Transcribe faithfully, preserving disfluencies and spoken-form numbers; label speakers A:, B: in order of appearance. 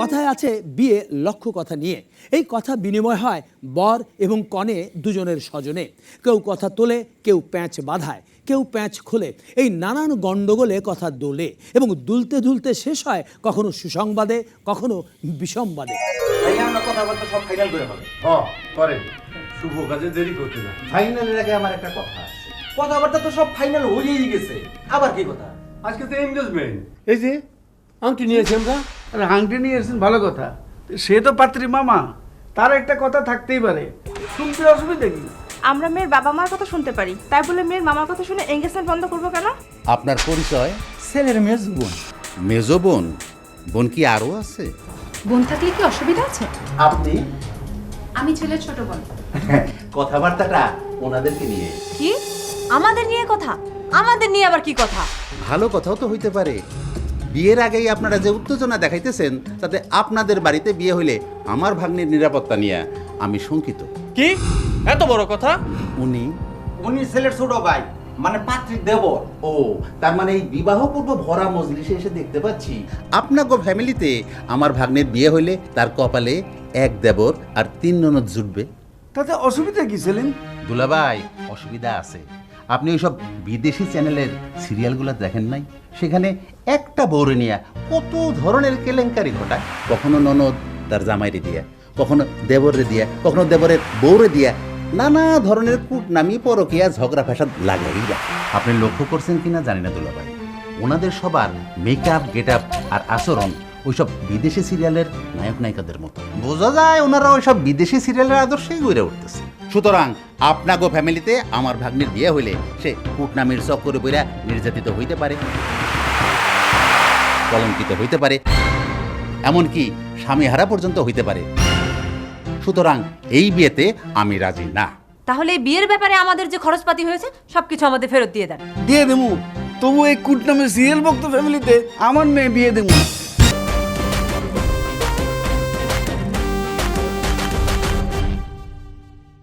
A: কথায় আছে বিয়ে লক্ষ কথা নিয়ে। এই কথা বিনিময় হয় বর এবং কনে দুজনের স্বজনে। কেউ কথা তোলে, কেউ প্যাঁচ বাঁধায়, কেউ প্যাঁচ খোলে। এই নানান গণ্ডগোলে কথা দোলে এবং দুলতে দুলতে শেষ হয় কখনো সুসংবাদে, কখনো বিষমবাদে।
B: কথাবার্তা সব ফাইনাল করে হবে।
C: হ্যাঁ করেন, শুভ কাজে দেরি করতে না।
B: ফাইনালের আগে আমার একটা কথা আছে। কথাবার্তা তো সব ফাইনাল হয়েই গেছে, আবার কি কথা?
C: আজকে তো এনগেজমেন্ট। এই যে আংটি নিয়েছি আমরা।
D: আরে হাংটি নিয়ে এসেছেন ভালো কথা, সে তো পাত্রী মামা, তার একটা কথা থাকতেই পারে, শুনতে অসুবিধা কি?
E: আমরা মেয়ের বাবা মার কথা শুনতে পারি, তাই বলে মেয়ের মামার কথা শুনে এঙ্গেজমেন্ট বন্ধ করবো কেন?
F: আপনার পরিচয়?
B: ছেলের মেজ বোন।
F: মেজো বোন? বোন কি আরো আছে?
G: বোন থাকলে কি অসুবিধা আছে?
B: আপনি?
G: আমি ছেলের ছোট বোন।
B: কথাবার্তাটা ওনাদেরকে নিয়ে।
G: কি আমাদের নিয়ে কথা? আমাদের নিয়ে আবার কি কথা?
F: ভালো কথাও তো হইতে পারে। বিয়ের আগেই আপনারা যে উত্তেজনা দেখাইতেছেন, তাতে আপনাদের বাড়িতে বিয়ে হইলে আমার ভাগ্নির নিরাপত্তা নিয়ে আমি শঙ্কিত।
H: কি এত বড় কথা?
F: উনি
B: উনি ছেলের ছোট ভাই, মানে পাত্রীর দেবর।
F: ও, তার মানে এই বিবাহ পূর্ব ভরা মজলিসে এসে দেখতে পাচ্ছি আপনাকে ফ্যামিলিতে আমার ভাগ্নের বিয়ে হইলে তার কপালে এক দেবর আর তিন ননদ জুটবে।
D: তাতে অসুবিধা কি সেলিম?
F: দুলাভাই, অসুবিধা আছে। আপনি ওইসব বিদেশি চ্যানেলের সিরিয়ালগুলো দেখেন নাই? সেখানে একটা বউরে নিয়ে কত ধরনের কেলেঙ্কারি ঘটায়। কখনো ননদ তার জামাইরে দিয়া, কখনো দেবরে দিয়া, কখনো দেবরের বউরে দিয়া, নানা ধরনের কূট নামিয়ে পরকিয়া ঝগড়া ফ্যাসাদ লাগাই রাখে। আপনি লক্ষ্য করছেন কিনা জানি না দুলাভাই, ওনাদের সবার মেকআপ, গেট আপ আর আচরণ ওইসব বিদেশি সিরিয়ালের নায়ক নায়িকাদের মতো। বোঝা যায় ওনারা ওইসব বিদেশি সিরিয়ালের আদর্শেই গড়ে উঠতেছে। সুতরাং আপনাগো ফ্যামিলিতে আমার ভাগ্নির বিয়ে হইলে সে কূটনামির চক্করে বইরা নির্যাতিত হইতে পারে, কলঙ্কিত হইতে পারে, এমনকি স্বামীহারা পর্যন্ত হইতে পারে। সুতরাং এই বিয়েতে আমি রাজি না।
G: তাহলে এই বিয়ের ব্যাপারে আমাদের যে খরচপাতি হয়েছে সবকিছু আমাদের ফেরত দিয়ে দেন।
D: দিয়ে দেবো, তবু এই কুট নামের সিরিয়াল ভক্ত ফ্যামিলিতে আমার মেয়ে বিয়ে দেবো।